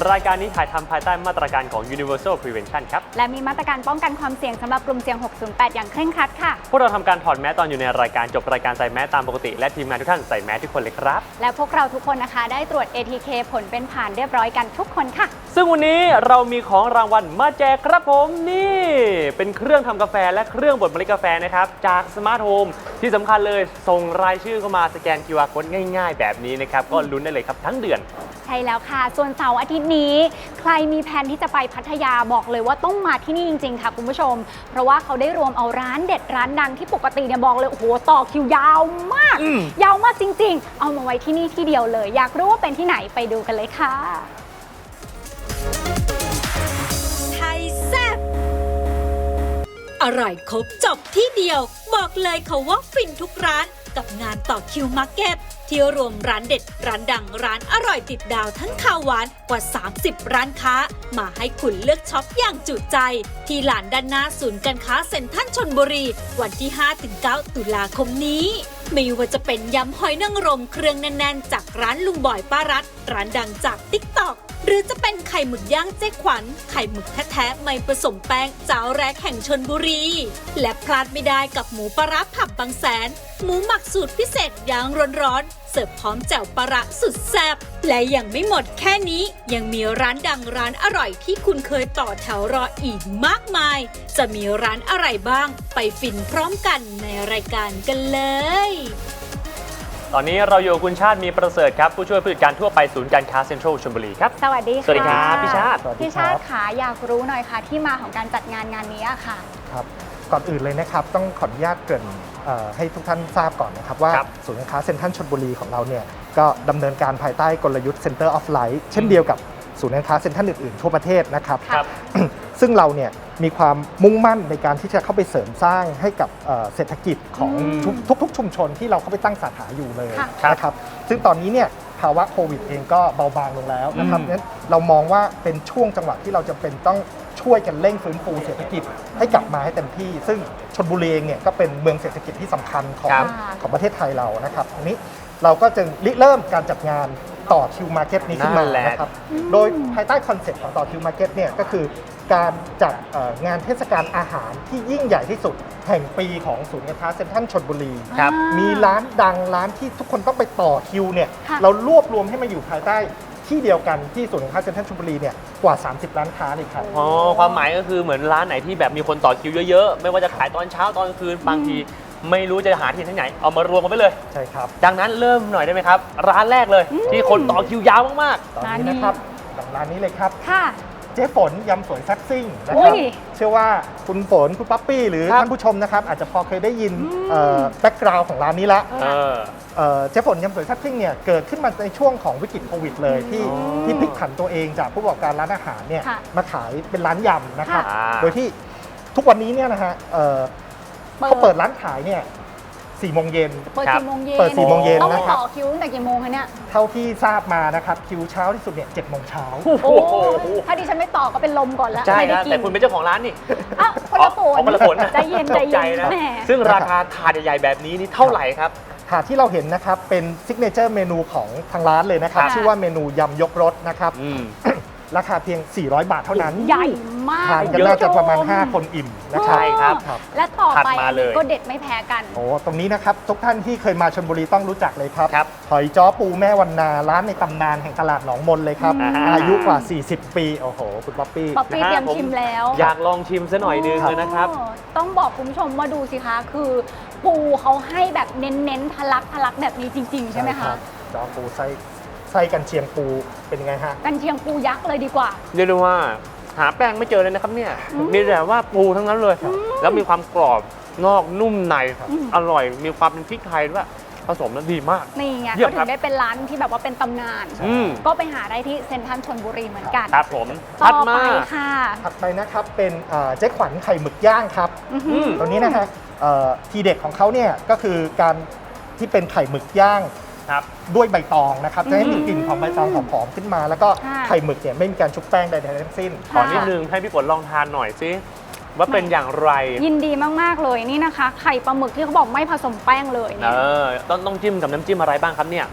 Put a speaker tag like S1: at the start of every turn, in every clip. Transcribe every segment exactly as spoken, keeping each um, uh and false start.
S1: รายการนี้ถ่ายทำภายใต้มาตรการของ Universal Prevention ครับ
S2: และมีมาตรการป้องกันความเสี่ยงสำหรับกลุ่มเสี่ยงหกศูนย์แปดอย่างเคร่งครัดค่ะ
S1: พวกเราทำการถอดแมสตอนอยู่ในรายการจบรายการใส่แมสตามปกติและทีมงานทุกท่านใส่แมสทุกคนเลยครับ
S2: และพวกเราทุกคนนะคะได้ตรวจ เอ ที เค ผลเป็นผ่านเรียบร้อยกันทุกคนค่ะ
S1: ซึ่งวันนี้เรามีของรางวัลมาแจกครับผมนี่เป็นเครื่องทำกาแฟและเครื่องบดเมล็ดกาแฟนะครับจากสมาร์ทโฮมที่สำคัญเลยส่งรายชื่อเข้ามาสแกน คิว อาร์ Code ง่ายๆแบบนี้นะครับก็ลุ้นได้เลยครับทั้งเดือน
S2: ใช่แล้วค่ะส่วนเสาร์อาทิตย์นี้ใครมีแผนที่จะไปพัทยาบอกเลยว่าต้องมาที่นี่จริงๆค่ะคุณผู้ชมเพราะว่าเขาได้รวมเอาร้านเด็ดร้านดังที่ปกติเนี่ยบอกเลยโอ้โหต่อคิวยาวมากยาวมากจริงๆเอามาไว้ที่นี่ที่เดียวเลยอยากรู้ว่าเป็นที่ไหนไปดูกันเลยค่ะ
S3: ไทยแซ่บอร่อยครบจบที่เดียวบอกเลยค่ะว่าฟินทุกร้านกับงานต่อคิวมาร์เก็ตที่รวมร้านเด็ดร้านดังร้านอร่อยติดดาวทั้งข้าวหวานกว่าสามสิบร้านค้ามาให้คุณเลือกช็อปอย่างจุใจที่ลานด้านหน้าศูนย์การค้าเซ็นทรัลชลบุรีวันที่ ห้าถึงเก้า ตุลาคมนี้ไม่ว่าจะเป็นยำหอยนางรมเครื่องแน่นๆจากร้านลุงบอยป้ารัตร้านดังจาก ติ๊กต็อก หรือจะเป็นไข่หมึกย่างเจ๊ขวัญไข่หมึกแท้ๆไม่ผสมแป้งเจ้าแรกแห่งชลบุรีและพลาดไม่ได้กับหมูปลาร้าผับบางแสนหมูหมักสูตรพิเศษย่างร้อนๆเสิร์ฟพร้อมแจ่วปลาร้าสุดแซ่บและยังไม่หมดแค่นี้ยังมีร้านดังร้านอร่อยที่คุณเคยต่อแถวรออีกมากมายจะมีร้านอะไรบ้างไปฟินพร้อมกันในรายการกันเลย
S1: ตอนนี้เราอยู่คุณชาติมีประเสริฐครับผู้ช่วยผู้จัดการทั่วไปศูนย์การค้าเซ็นทรัลชลบุรีครับ
S2: สวัสดีค่ะ
S1: สวัสดีครับพี่ชาติ
S2: พี่ชาติขาอยากรู้หน่อยค่ะที่มาของการจัดงานงานนี้ค่ะ
S4: ครับก่อนอื่นเลยนะครับต้องขออนุญาตเกริ่นให้ทุกท่านทราบก่อนนะครับว่าศูนย์การค้าเซ็นทรัลชลบุรีของเราเนี่ยก็ดำเนินการภายใต้กลยุทธ์ Center of Light เช่นเดียวกับศูนย์การค้าเซ็นทรัลอื่นๆทั่วประเทศนะครับซึ่งเราเนี่ยมีความมุ่งมั่นในการที่จะเข้าไปเสริมสร้างให้กับเศรษฐกิจของทุกๆชุมชนที่เราเข้าไปตั้งสาขาอยู่เลยนะครับซึ่งตอนนี้เนี่ยภาวะโควิดเองก็เบาบางลงแล้วนะครับนั้นเรามองว่าเป็นช่วงจังหวะที่เราจะเป็นต้องช่วยกันเร่งฟื้นฟูเศรษฐกิจให้กลับมาให้เต็มที่ซึ่งชลบุรีเองเนี่ยก็เป็นเมืองเศรษฐกิจที่สำคัญของของประเทศไทยเรานะครับอันนี้เราก็จึงริเริ่มการจัดงานต่อคิวมาร์เก็ตนี้ขึ้นมานะครับโดยภายใต้คอนเซ็ปต์ของต่อคิวมาร์เก็ตเนี่ยก็คือการจัดงานเทศกาลอาหารที่ยิ่งใหญ่ที่สุดแห่งปีของศูนย์การค้าเซ็นทรัลชลบุรีมีร้านดังร้านที่ทุกคนต้องไปต่อคิวเนี่ยเรารวบรวมให้มาอยู่ภายใต้ที่เดียวกันที่ศูนย์การค้าเซ็นทรัลชลบุรีเนี่ยกว่าสามสิบร้านค้าเลยครับ
S1: อ๋อความหมายก็คือเหมือนร้านไหนที่แบบมีคนต่อคิวเยอะๆไม่ว่าจะขายตอนเช้าตอนกลางคืนบางทีไม่รู้จะหาที่ไหนเอามารวมกันไปเลย
S4: ใช่ครับ
S1: ดังนั้นเริ่มหน่อยได้ไหมครับร้านแรกเลยที่คนต่อคิวยาวมาก
S4: ๆตอนนี้นะครับร้านนี้เลยครับ
S2: ค่ะ
S4: เจ๊ฝนยำสวยแซ่บซิ่งนะครับเชื่อว่าคุณฝนคุณป๊อปปี้หรือท่านผู้ชมนะครับอาจจะพอเคยได้ยินแบ็กกราวด์ของร้านนี้ละเจ๊ฝนยำสวยแซ่บซิ่งเนี่ยเกิดขึ้นมาในช่วงของวิกฤตโควิดเลยที่ที่พลิกผันตัวเองจากผู้ประกอบการร้านอาหารเนี่ยมาขายเป็นร้านยำนะครับโดยที่ทุกวันนี้เนี่ยนะฮะเขาเปิดร้านขายเนี่ยสี่โมงเย็น
S2: เปิดสี่โมงเย็น
S4: เปิดสี่โมงเย็นนะครับ
S2: ต้องต่อคิวตั้งแต่กี่โมงคะเนี่ย
S4: เท่าที่ทราบมานะครับคิวเช้าที่สุดเนี่ยเจ็ดโมงเช้า
S2: โอ้ถ้าดิฉันไม่ต่อก็เป็นลมก่อนแล้ว
S1: ใช่นะแต่คุณเป็นเจ้าของร้านนี่
S2: อ้าวคนละฝน
S1: คนละฝน
S2: ใจเย็นใจเย็นนะ
S1: ซึ่งราคาถาดใหญ่ๆแบบนี้นี่เท่าไหร่ครับ
S4: ถาดที่เราเห็นนะครับเป็นซิกเนเจอร์เมนูของทางร้านเลยนะครับชื่อว่าเมนูยำยกรสนะครับราคาเพียงสี่ร้อยบาทเท่านั้น
S2: ใหญ่มาก
S4: ทานกันน่าจะประมาณห้าคนอิ่มนะครับ
S1: ใช่ครับ
S2: และต่อไปก็เด็ดไม่แพ้กัน
S4: โอ้ตรงนี้นะครับทุกท่านที่เคยมาชลบุรีต้องรู้จักเลยครับหอยจ้อปูแม่วันนาร้านในตำนานแห่งตลาดหนองมนเลยครับอายุกว่าสี่สิบปีโอ้โหคุณป๊อปปี้
S2: ป๊อปปี้เตรียมชิมแล้ว
S1: อยากลองชิมซะหน่อยนึงเลยนะครับ
S2: ต้องบอกคุณผู้ชมมาดูสิคะคือปูเขาให้แบบเน้นๆทะลักทะลักแบบนี้จริงๆใช่ไหมคะ
S4: จ้อปูไส้ไส้กันเชียงปูเป็นยังไงฮะ
S2: กันเชียงปูยักษ์เลยดีกว่า
S1: เรียกได้ว่าหาแป้งไม่เจอเลยนะครับเนี่ยมีแต่ว่าปูทั้งนั้นเลยแล้วมีความกรอบนอกนุ่มในอร่อยมีความเป็นพริกไทยด้วยผสมแล้วดีมาก
S2: นี่ไงก็ถึงได้เป็นร้านที่แบบว่าเป็นตำนานก็ไปหาได้ที่เซ็นทรัลชลบุรีเหมือนกัน
S1: ครับผม
S2: ต่อไปค่ะ
S4: ถัดไปนะครับเป็นเจ๊ขวัญไข่หมึกย่างครับตัวนี้นะฮะทีเด็ดของเขาเนี่ยก็คือการที่เป็นไข่หมึกย่างด้วยใบตองนะครับจะให้มีกลิ่นของใบตองหอมๆขึ้นมาแล้วก็ไข่หมึกเนี่ยไม่มีการชุบแป้งใดๆทั้งสิ้น
S1: ขอนิดนึงให้พี่ฝนลองทานหน่อยสิว่าเป็นอย่างไร
S2: ยินดีมากๆเลยนี่นะคะไข่ปลาหมึกที่เขาบอกไม่ผสมแป้งเลย
S1: เออต้องต้องจิ้มกับน้ำจิ้มอะไรบ้างครับเนี่ย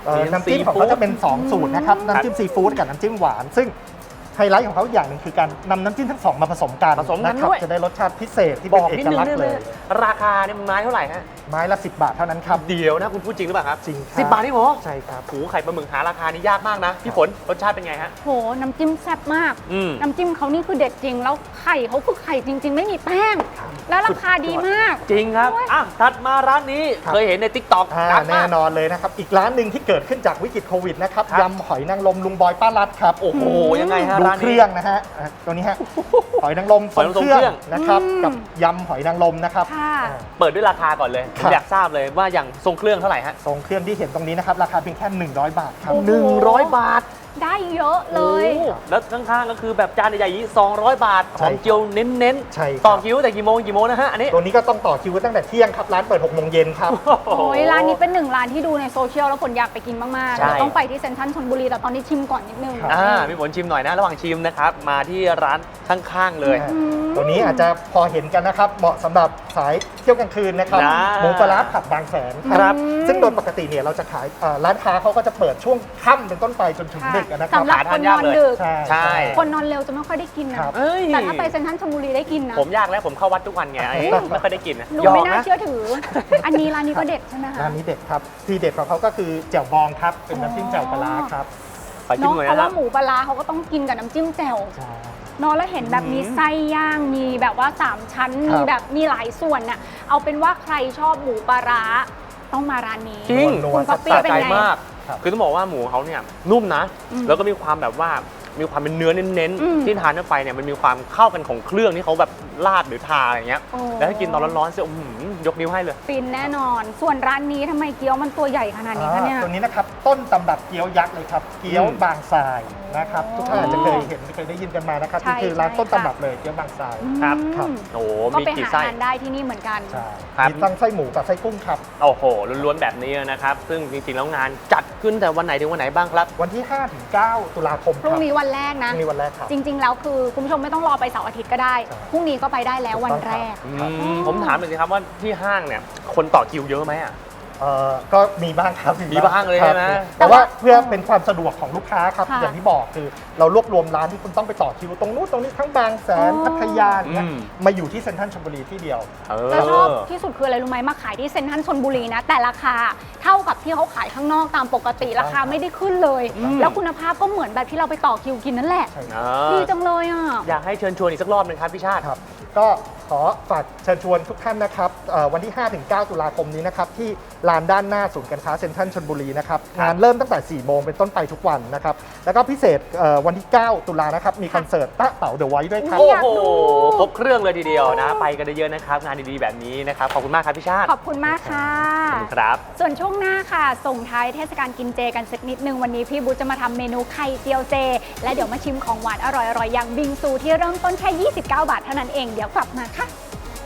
S4: เอ่อน้ำจิ้มของเขาจะเป็น สอง สูตรนะครับน้ำจิ้มซีฟู้ดกับน้ำจิ้มหวานซึ่งไฮไลท์ของเขาอย่างหนึ่งคือการนำน้ำจิ้มทั้งสองมาผสมกัน
S1: ผสมกัน
S4: นะครับ
S1: ด้วย
S4: จะได้รสชาติพิเศษที่
S1: บ
S4: เป็น
S1: อก
S4: เอ
S1: นิด
S4: ก
S1: นึง
S4: ลักษ
S1: ได้
S4: ณ์
S1: ไหม
S4: เลย
S1: ราคาเนี่ยไม้เท่าไหร่ฮะ
S4: ไม้ละสิบบาทเท่านั้นครับ
S1: เดียวนะคุณพูดจริงหรือเปล่าครับ
S4: จริงครับ
S1: สิบบาทนี่หมอ
S4: ใช่ครับ
S1: หูไข่ปลาหมึกหาราคานี่ยากมากนะพี่ฝนรสชาติเป็นไงฮะ
S2: โหน้ำจิ้มแซ่บมาก
S1: อืม
S2: น้ำจิ้มเขานี่คือเด็ดจริง แล้วไข่เขาคือไข่จริง ๆ ไม่มีแป้ง แล้วราคาดีมาก
S1: จริงครับ
S2: โอ้ย
S1: อ่ะถัดมาร้านนี้
S4: ครับ
S1: เคยเห็นใน ติ๊กต็อก
S4: อ่า
S1: ดัง
S4: แน่
S1: มาก
S4: นอนเลยนะครับ อีกร้านหนึ่งที่เกิดขึ้นจากวิกฤตโควิดนะครับ
S1: ครับ
S4: ยำหอยนางรมลุงบอยป้ารัดครับ
S1: โอ้โหยังไงฮะ
S4: ดู
S1: ร้าน
S4: เค
S1: นี้
S4: รื่องนะฮะอ่ะตัวนี้ฮะหอยนางรม
S1: หอยนางรมเครื่อง
S4: นะครับ
S2: อืม
S4: กับยำหอยนางรมนะครับ
S2: ค่ะ
S4: อ่า
S1: เปิดด้วยราคาก่อนเลยผ
S4: ครั
S1: ม
S4: บ
S1: อยากทราบเลยว่าอย่างทรงเครื่องเท่าไหร่ฮะ
S4: ทรงเครื่องที่เห็นตรงนี้นะครับราคาเพียงแค่หนึ่งร้อยบาทครับ
S2: โอ้โ
S1: หนึ่งร้อยบาท
S2: ได้เยอะเลย
S1: โอ้แล้วข้างๆก็คือแบบจานใหญ่ๆอย่างนี้สองร้อยบาทห
S4: ใช่
S1: อมเจียวเน้น
S4: ใช่ครับ
S1: ต่อคิวแต่กี่โมงกี่โมงนะฮะอันนี้
S4: ตัวนี้ก็ต้องต่อคิวกันตั้งแต่เที่ยงครับร้านเปิดหกโมงเย็นครับ
S2: โอ้ยร้านนี้เป็นหนึ่งร้านที่ดูในโซเชียลแล้วผลอยากไปกินมากๆ
S1: ใช่
S2: เดี๋ยวต้องไปที่เซ็นทรัลชลบุรีแต่ตอนนี้ชิมก่อนนิดนึง
S4: ครับ
S1: อ่าพี่ฝนชิมหน่อยนะ ระหว่างชิมนะครับ มาที่ร้านข้างๆเลย
S2: อืม
S4: ตัวนี้อาจจะพอเห็นกันนะครับ เหมาะสำหรับสายเที่ยวกลางคืนนะครับ
S1: นะ
S4: หมูปลาร้าผัดบางแสน
S1: ครับ
S4: ซึ่งโดยปกติเนี่ยเราจะขายเอ่อร้านค้าเขาก็จะเปิดช่วงค่ำเป็นต้นไปจนถึง
S2: ค่ะ
S4: ดึกนะครับ
S2: สำหรับ
S1: หา
S2: ค
S1: ทาน
S2: น
S1: ยาน ก
S2: อน
S1: เลย
S2: ดึก
S4: ใช่
S1: ใช่
S2: คนนอนเร็วจะไม่ค่อยได้กินนะครับ
S1: เอ้ย
S2: แต่ถ้าไปเซ็นทรัลชลบุรีได้กินนะ
S1: ผมยากแล้วผมเข้าวัดทุกวันไงไอ้ไม่ค่อยได้กินนะ
S2: ดู
S1: ยอ
S2: ไม่
S1: ม
S2: น่า
S1: นะ
S2: เชื่อถือ อันนี้ร้านนี้ก็เด็ดใช่ไหมคะ
S4: ร้านนี้เด็ดครับที่เด็ดของเขาก็คือแจ่วบองครับเป็นน้ำจิ้มแจ่วปลาร้าครับ
S1: ขอชิ
S2: เนาะ
S1: มหน่อย
S2: เพราะ
S1: นะครั
S2: ว่า
S1: บ
S2: หมูปลาร้าเขาก็ต้องกินกับน้ำจิ้มแจ่ว
S4: ใช่
S2: เนาะแล้วเห็นแบบมี
S1: อืม
S2: ไส้ย่างมีแบบว่าสามชั้น
S4: ครับ
S2: มีแบบมีหลายส่วนน่ะเอาเป็นว่าใครชอบหมูปลาร้าต้องมาร้านนี้
S1: จริง
S4: นัว
S2: คุณ
S4: ๆ
S2: ป๊อปปี้
S1: สะ
S2: เป็น
S1: ใจ
S2: ไง
S1: มาก
S4: ครับ
S1: คือต้องบอกว่าหมูเขาเนี่ยนุ่มนะ
S2: อืม
S1: แล้วก็มีความแบบว่ามีความเป็นเนื้อเน้น
S2: อืม
S1: ๆที่ทานเข้าไปเนี่ยมันมีความเข้ากันของเครื่องที่เขาแบบราดหรือทาอะไรเงี้ย
S2: โอ้
S1: แล้วถ้ากินตอนร้อนๆเสียอื้อหือยกนิ้วให้เลย
S2: ฟินแน่นอน ส่วนร้านนี้ทำไมเกี๊ยวมันตัวใหญ่ขนาดนี้คะเนี่ย
S4: อ่าตัวนี้นะครับต้นตำรับเกี๊ยวยักษ์เลยครับเกี๊ยว
S1: อืม
S4: บางทรายนะครับ
S2: โอ้
S4: ทุกท่านอาจจะเคยเห็นเคยได้ยินกันมานะครับ
S2: ใช่
S4: นี่คือร้าน
S2: ใช่
S4: ต้น
S2: ค่ะ
S4: ตำรับเลยเกี๊ยวบางทราย
S1: ครับ
S2: อืม
S4: ครับ
S1: โอ้โห
S2: ก็
S1: มี
S2: ไป
S1: กี่
S2: หา
S1: ไส้
S2: ทานได้ที่นี่เหมือนกัน
S4: ใช่
S1: ครับ
S4: มีทั้งไส้หมูกับไส้กุ้งครับ
S1: โอ้โหล้วนๆแบบนี้นะครับ ซึ่งจริงๆแล้วงานจัดขึ้นแต่วันไหนถึงวันไหนบ้างครับ
S4: วันที่ห้าถึงเก้าตุลาคม
S2: พรุ่
S4: ค
S2: ง
S4: รับ
S2: นี้วันแรก
S4: พ
S2: นะ
S4: รุ่งนี้วันแรกครับ
S2: จริง ๆ แล้วคือคุณผู้ชมไม่ต้องรอไปเสาร์อาทิตย์ก็ได้
S4: ใช่
S2: พรุ่งนี้ก็ไปได้แล้ววันแรก
S1: อืมผมถามหน่อยสิครับว่าที่ห้างเนี่ยคนต่อคิวเยอะไหมอ่ะ
S4: เอ่อก็มีบ้างครับ
S1: มีบ้างเลย
S4: ครั
S1: ใช่ไหม
S4: แต่ว่าเพื่อเป็นความสะดวกของลูกค้าครับ
S2: ค่ะ
S4: อย่างที่บอกคือเรารวบรวมร้านที่คุณต้องไปต่อคิวตรงนู้นตรงนี้ทั้งบางแสน
S2: อ๋อ
S4: พัทยาอย่างเงี้ย
S1: อืม
S4: มาอยู่ที่เซ็นทรัลชลบุรีที่เดียว
S1: เอ
S2: แล้วชอบ
S1: อ
S2: ที่สุดคืออะไรรู้ไหมมาขายที่เซ็นทรัลชลบุรีนะ แต่ราคาเท่ากับที่เขาขายข้างนอกตามปกติราคาไม่ได้ขึ้นเลย
S1: อืม
S2: แล้วคุณภาพก็เหมือนแบบที่เราไปต่อคิวกินนั่นแหละ
S4: ใช่
S1: อ่
S2: ดี
S1: า
S2: จังเลยอ่ะ
S1: อยากให้เชิญชวนอีกสักรอบหนึงครับพี่ชาติ
S4: ครับก็ขอฝากเชิญชวนทุกท่านนะครับเอ่อวันที่ ห้าถึงเก้า ตุลาคมนี้นะครับที่ลานด้านหน้าศูนย์การค้าเซ็นทรัลชลบุรีนะครับ
S1: ครับ
S4: งานเริ่มตั้งแต่ สี่โมงเป็นต้นไปทุกวันนะครับแล้วก็พิเศษเอ่อวันที่ เก้า ตุลานะครับมีคอนเสิร์ตตะเต๋าเดอะไวท์ด้วยครับ
S2: อุ๊
S1: โอ้
S2: ย
S1: โห
S2: อยากดู
S1: ครบเครื่องเลยทีเดียวนะ ไปกันเยอะๆนะครับ งานดีๆแบบนี้นะครับ ขอบคุณมากครับพี่ชาติ
S2: ขอบคุณมากค่ะ
S1: ขอบคุณครับ
S2: ส่วนช่วงหน้าค่ะ ส่งท้ายเทศกาลกินเจกันสักนิดนึงวันนี้พี่บุ๊ชจะมาทำเมนูไข่เจียวเจ และเดี๋ยวมาชิมของหวานอร่อยๆอย่างบิงซูที่เริ่มต้นแค่ยี่สิบเก้าบาทเท่านั้นเองเดี๋ยวกลับมาค่ะ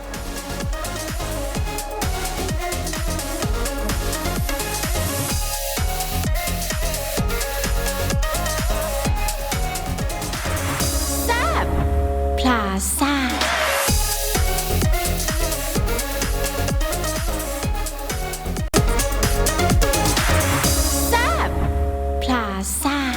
S3: พลาซ่า แซบพลาซ่า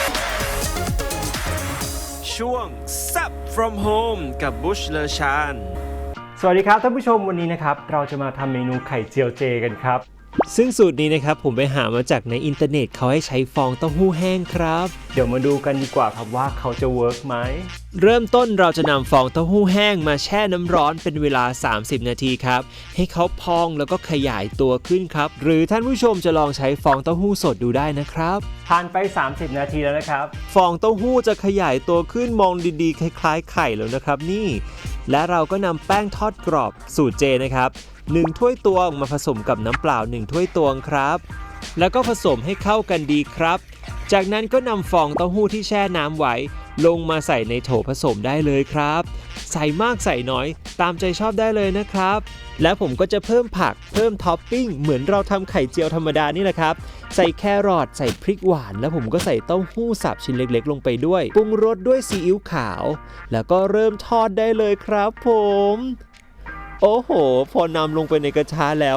S5: ช่วง Zap from Home กับบุชเลชาน
S6: สวัสดีครับท่านผู้ชมวันนี้นะครับเราจะมาทำเมนูไข่เจียวเจกันครับ
S5: ซึ่งสูตรนี้นะครับผมไปหามาจากในอินเทอร์เน็ตเขาให้ใช้ฟองเต้าหู้แห้งครับ
S6: เดี๋ยวมาดูกันดีกว่าครับว่าเขาจะเวิร์กไหม
S5: เริ่มต้นเราจะนำฟองเต้าหู้แห้งมาแช่น้ำร้อนเป็นเวลาสามสิบนาทีครับให้เขาพองแล้วก็ขยายตัวขึ้นครับหรือท่านผู้ชมจะลองใช้ฟองเต้าหู้สดดูได้นะครับ
S6: ผ่านไปสามสิบนาทีแล้วนะครับ
S5: ฟองเต้าหู้จะขยายตัวขึ้นมองดีๆคล้ายๆไข่แล้วนะครับนี่และเราก็นำแป้งทอดกรอบสูตรเจนะครับหนึ่งถ้วยตวงมาผสมกับน้ำเปล่าหนึ่งถ้วยตวงครับแล้วก็ผสมให้เข้ากันดีครับจากนั้นก็นำฟองเต้าหู้ที่แช่น้ำไว้ลงมาใส่ในโถผสมได้เลยครับใส่มากใส่น้อยตามใจชอบได้เลยนะครับและผมก็จะเพิ่มผักเพิ่มท็อปปิ้งเหมือนเราทำไข่เจียวธรรมดานี่แหละครับใส่แครอทใส่พริกหวานแล้วผมก็ใส่เต้าหู้สับชิ้นเล็กๆลงไปด้วยปรุงรสด้วยซีอิ๊วขาวแล้วก็เริ่มทอดได้เลยครับผมโอ้โหพอนำลงไปในกระทะแล้วห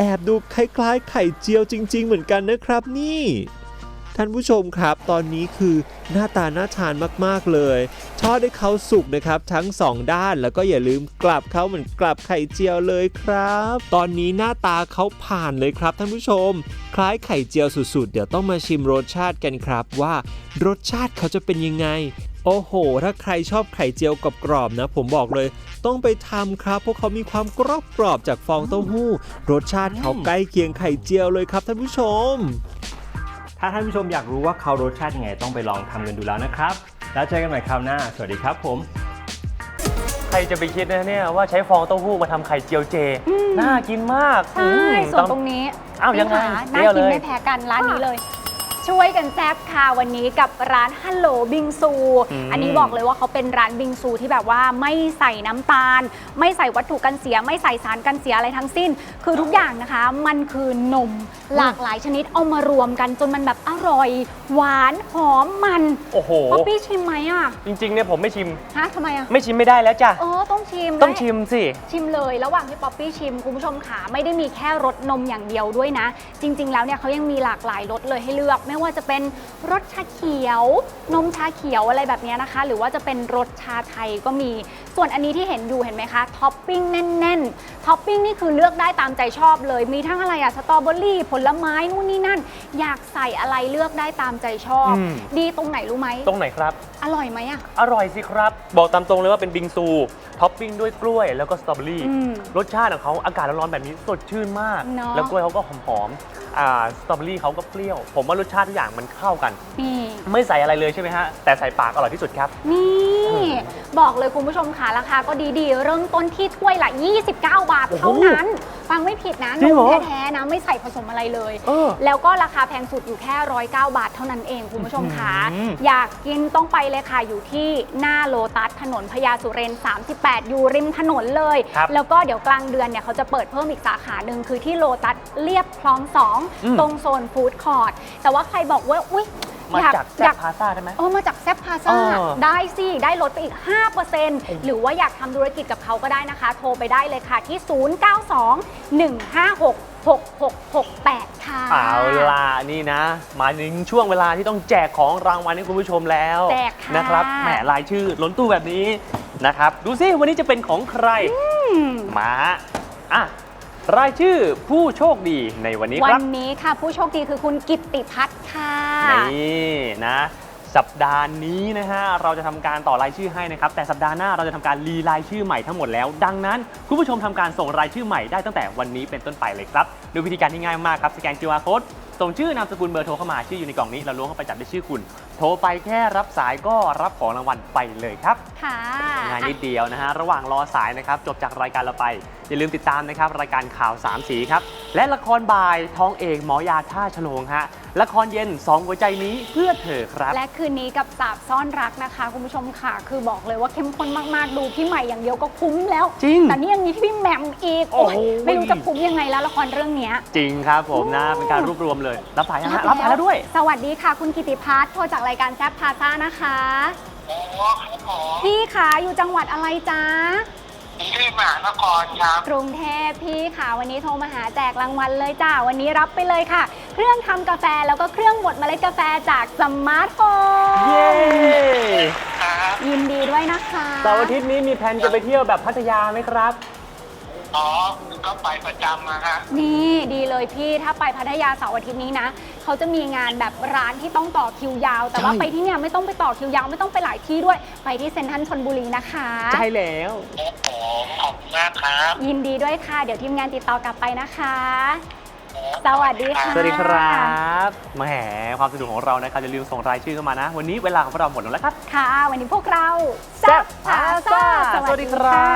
S5: แอบดูคล้ายๆไข่เจียวจริงๆเหมือนกันนะครับนี่ท่านผู้ชมครับตอนนี้คือหน้าตาน่าทานมากๆเลยทอดให้เขาสุกนะครับทั้งสองด้านแล้วก็อย่าลืมกลับเขาเหมือนกลับไข่เจียวเลยครับตอนนี้หน้าตาเขาผ่านเลยครับท่านผู้ชมคล้ายไข่เจียวสุดๆเดี๋ยวต้องมาชิมรสชาติกันครับว่ารสชาติเขาจะเป็นยังไงโอ้โหถ้าใครชอบไข่เจียวกรอบๆนะผมบอกเลยต้องไปทำครับเพราะเขามีความกรอบๆจากฟองเต้าหู้รสชาติเขาใกล้เคียงไข่เจียวเลยครับท่านผู้ชม
S6: ถ้าท่านผู้ชมอยากรู้ว่าเขารสชาติยังไงต้องไปลองทำกันดูแล้วนะครับแล้วเจอกันใหม่คราวหน้าสวัสดีครับผม
S1: ใครจะไปคิดนะเนี่ยว่าใช้ฟองเต้าหู้มาทำไข่เจียวเจน่ากินมาก
S2: ใช่ ส่วนตรงนี้
S1: อ้าวยังไง
S2: น่ากินไม่แพ้กันร้านนี้เลย ช่วยกันแซ่บค่ะวันนี้กับร้านฮัลโหลบิงซู อันนี้บอกเลยว่าเขาเป็นร้านบิงซูที่แบบว่าไม่ใส่น้ำตาล ไม่ใส่วัตถุกันเสียไม่ใส่สารกันเสียอะไรทั้งสิ้น คือทุกอย่างนะคะมันคือนมหลากหลายชนิดเอามารวมกันจนมันแบบอร่อย หวานหอมมัน
S1: โอ้โห
S2: ป๊อปปี้ชิมไหมอ่ะ
S1: จริงๆเนี่ยผมไม่ชิม
S2: ฮะทำไมอ่ะ
S1: ไม่ชิมไม่ได้แล้วจ้ะ
S2: เออต้องชิม
S1: ต้องชิมสิ
S2: ชิมเลยระหว่างที่ป๊อปปี้ชิมคุณผู้ชมขาไม่ได้มีแค่รสนมอย่างเดียวด้วยนะ จริง ๆ แล้วเนี่ยเขายังมีหลากหลายรสเลยให้เลือก ไม่ว่าจะเป็นรสชาเขียว นมชาเขียวอะไรแบบนี้นะคะ หรือว่าจะเป็นรสชาไทยก็มี ส่วนอันนี้ที่เห็นอยู่เห็นไหมคะท็อปปิ้งแน่นๆท็อปปิ้งนี่คือเลือกได้ตามใจชอบเลยมีทั้งอะไรอะสตรอเบอรี่ผลไม้นู่นนี่นั่น อยากใส่อะไรเลือกได้ตามใจชอบ
S1: อืม
S2: ดีตรงไหนรู้ไหม
S1: ตรงไหนครับ
S2: อร่อยไหมอะ
S1: อร่อยสิครับ บอกตามตรงเลยว่าเป็นบิงซูท็อปปิ้งด้วยกล้วยแล้วก็สตรอเบอรี่
S2: อืม
S1: รสชาติของเขาอากาศร้อนๆแบบนี้สดชื่นมาก
S2: เนอะ
S1: แล้วกล้วยเขาก็หอมๆอ่าสตรอเบอรี่เขาก็เปรี้ยว ผมว่ารสชาติทุกอย่างมันเข้ากัน
S2: นี่
S1: ไม่ใส่อะไรเลยใช่ไหมฮะแต่ใส่ปากอร่อยที่สุดครับ
S2: นี่บอกเลยคุณผู้ชมค่ะราคาก็ดีๆ เริ่มต้นที่ถ้วยละ ยี่สิบเก้า บาทเท่านั้น ฟังไม่ผิดนะ
S1: จริ
S2: น
S1: งเหร
S2: ม
S1: อ
S2: แท้ๆนะไม่ใส่ผสมอะไรเลย
S1: เออ
S2: แล้วก็ราคาแพงสุดอยู่แค่หนึ่งร้อยเก้า บาทเท่านั้นเองคุณผู้ชมค่ะ
S1: อืม
S2: อยากกินต้องไปเลยค่ะอยู่ที่หน้าโลตัสถนนพญาสุเรนสามสิบแปดอยู่ริมถนนเลย
S1: ครับ
S2: แล้วก็เดี๋ยวกลางเดือนเนี่ยเขาจะเปิดเพิ่มอีกสาขาหนึ่งคือที่โลตัสเรียบคลองสอง
S1: อืม
S2: ตรงโซนฟู้ดคอร์ทแต่ว่าใครบอกว่าอุ๊ย
S1: มา
S2: อยาก
S1: จาก
S2: อ
S1: แซ่
S2: ยา
S1: บ
S2: ก
S1: พาซ่าได้ไหม
S2: เออมาจากแซฟพาซ่า
S1: เออ
S2: ได้สิ ได้ลดไปอีก ห้าเปอร์เซ็นต์ หรือว่าอยากทำธุรกิจกับเขาก็ได้นะคะ โทรไปได้เลยค่ะที่ ศูนย์ เก้า สอง หนึ่ง ห้า หก หก หก หก แปด ค่ะ
S1: เอาล่ะนี่นะ มาถึงช่วงเวลาที่ต้องแจกของรางวัลให้คุณผู้ชมแล้ว
S2: แจกค่ะ
S1: นะครับแหมรายชื่อล้นตู้แบบนี้นะครับ ดูซิวันนี้จะเป็นของใคร มาอ่ะรายชื่อผู้โชคดีในวันนี้ค
S2: วั
S1: รับ
S2: นนี้ค่ะผู้โชคดีคือคุณกิตติพัฒน์ค่ะ
S1: นี่นะสัปดาห์นี้นะฮะเราจะทำการต่อรายชื่อให้นะครับแต่สัปดาห์หน้าเราจะทำการรีรายชื่อใหม่ทั้งหมดแล้ว ดังนั้นคุณผู้ชมทำการส่งรายชื่อใหม่ได้ตั้งแต่วันนี้เป็นต้นไปเลยครับโดยวิธีการที่ง่ายมากครับสแกน คิว อาร์ Code ส่งชื่อนามสกุลเบอร์โทรเข้ามาชื่ออยู่ในกล่องนี้เราล้วงเข้าไปจับได้ชื่อคุณ โทรไปแค่รับสายก็รับของรางวัลไปเลยครับ
S2: ค่ะ
S1: ง่ายนิดเดียวนะฮะ ระหว่างรอสายนะครับ จบจากรายการเราไป อย่าลืมติดตามนะครับ รายการข่าวสามสีครับ และละครบ่ายท้องเอกหมอยาท่าฉลงฮะ ละครเย็นสองหัวใจนี้เพื่อเธอครับ
S2: และคืนนี้กับสาบซ่อนรักนะคะคุณผู้ชมค่ะ คือบอกเลยว่าเข้มข้นมากๆ ดูพี่ใหม่อย่างเดียวก็คุ้มแล้ว
S1: จริง
S2: แต่นี่ยังมีพี่แหม่มอีก
S1: โอ้โห
S2: โอ้ยไม่รู้จะคุ้มยังไงแล้วละครเรื่องเนี้ย
S1: จริงครับผมนะ เป็นการรวบรวมเลย รับสายนะฮะรับสายแล้วด้วย
S2: สวัสดีค่ะ คุณกิติพัฒน์โทรจากรายการแซฟพาซ่านะคะพี่ขาอยู่จังหวัดอะไรจ๊ะ
S7: กรุงเทพมหานครครับ
S2: กรุงเทพพี่ค่ะวันนี้โทรมาหาแจกรางวัลเลยจ้าวันนี้รับไปเลยค่ะ เครื่องทำกาแฟแล้วก็เครื่องบดเมล็ดกาแฟจากสมาร์ทโฟน
S1: เย้
S7: ครับ
S2: ยินดีด้วยนะคะ
S1: เสาร์อาทิตย์นี้มีแผนจะไปเที่ยวแบบพัทยาไหมครับ
S7: อ๋อ ก็ไปประจำมาฮะ
S2: นี่ดีเลยพี่ถ้าไปพัทยาเสาร์อาทิตย์นี้นะเขาจะมีงานแบบร้านที่ต้องต่อคิวยาว แต่ว่า
S1: ใช่
S2: ไปที่เนี่ยไม่ต้องไปต่อคิวยาวไม่ต้องไปหลายที่ด้วย ไปที่เซ็นทรัลชลบุรีนะคะ
S1: ใช่แล้ว
S7: ผมขอบคุณมากครับ
S2: ยินดีด้วยค่ะ เดี๋ยวทีมงานติดต่อกลับไปนะคะ สวัสดีค่ะ
S1: สวัสดีครับแหมความสนุกของเรานะครับอย่าลืมส่งรายชื่อเข้ามานะ วันนี้เวลาของเราหมดแล้วครับ
S2: ค่ะ วันนี้พวกเรา
S1: แซ่บพาซ่าสวัสดีครับ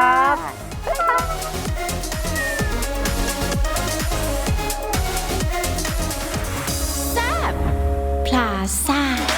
S3: พลาซ่า